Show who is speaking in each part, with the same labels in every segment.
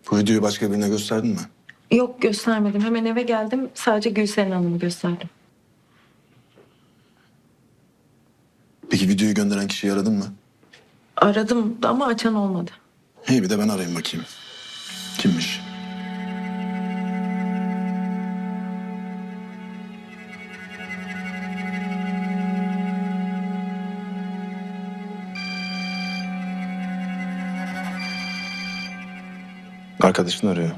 Speaker 1: Bu videoyu başka birine gösterdin mi?
Speaker 2: Yok, göstermedim. Hemen eve geldim. Sadece Gülseren Hanım'ı gösterdim.
Speaker 1: Peki videoyu gönderen kişiyi aradın mı?
Speaker 2: Aradım da ama açan olmadı.
Speaker 1: İyi, bir de ben arayayım bakayım. Kimmiş? Arkadaşın arıyor.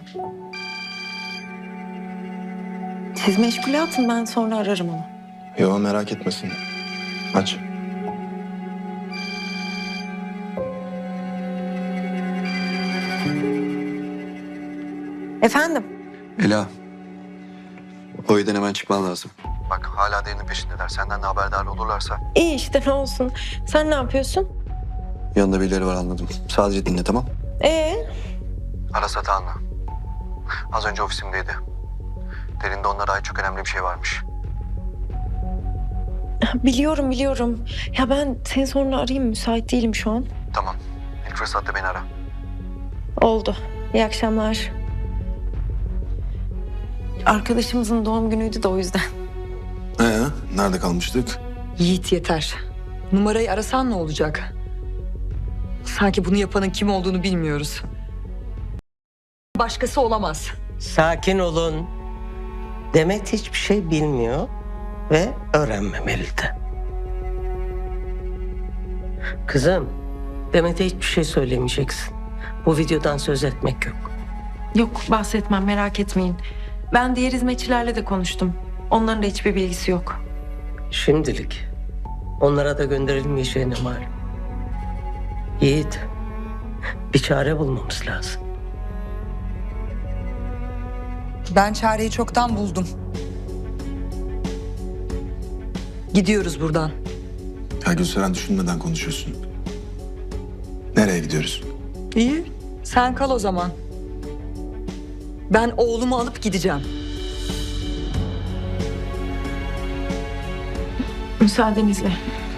Speaker 2: Siz meşgule atın, ben sonra ararım onu.
Speaker 1: Yo, merak etmesin. Aç.
Speaker 2: Efendim?
Speaker 3: Ela, o evden hemen çıkman lazım. Bak hala derinin peşindeler. Senden de haberdar olurlarsa.
Speaker 2: İyi işte, ne olsun. Sen ne yapıyorsun?
Speaker 3: Yanında birileri var anladım. Sadece dinle, tamam?
Speaker 2: Aras
Speaker 3: Atahan'la. Az önce ofisimdeydi. Derinde onlara ait çok önemli bir şey varmış.
Speaker 2: Biliyorum. Ya ben seni sonra arayayım, müsait değilim şu an.
Speaker 3: Tamam. İlk fırsatta beni ara.
Speaker 2: Oldu. İyi akşamlar. Arkadaşımızın doğum günüydü de o yüzden.
Speaker 1: Nerede kalmıştık?
Speaker 4: Yiğit yeter. Numarayı arasan ne olacak? Sanki bunu yapanın kim olduğunu bilmiyoruz. Başkası olamaz.
Speaker 5: Sakin olun. Demet hiçbir şey bilmiyor ve öğrenmemeli de. Kızım, Demet'e hiçbir şey söylemeyeceksin. Bu videodan söz etmek yok.
Speaker 2: Yok, bahsetmem, merak etmeyin. Ben diğer hizmetçilerle de konuştum. Onların da hiçbir bilgisi yok.
Speaker 5: Şimdilik onlara da gönderilmeyeceğine malum. Yiğit, bir çare bulmamız lazım.
Speaker 4: Ben çareyi çoktan buldum. Gidiyoruz buradan.
Speaker 1: Ya Gülseren, düşünmeden konuşuyorsun. Nereye gidiyoruz?
Speaker 4: İyi, sen kal o zaman. Ben oğlumu alıp gideceğim.
Speaker 2: Müsaadenizle.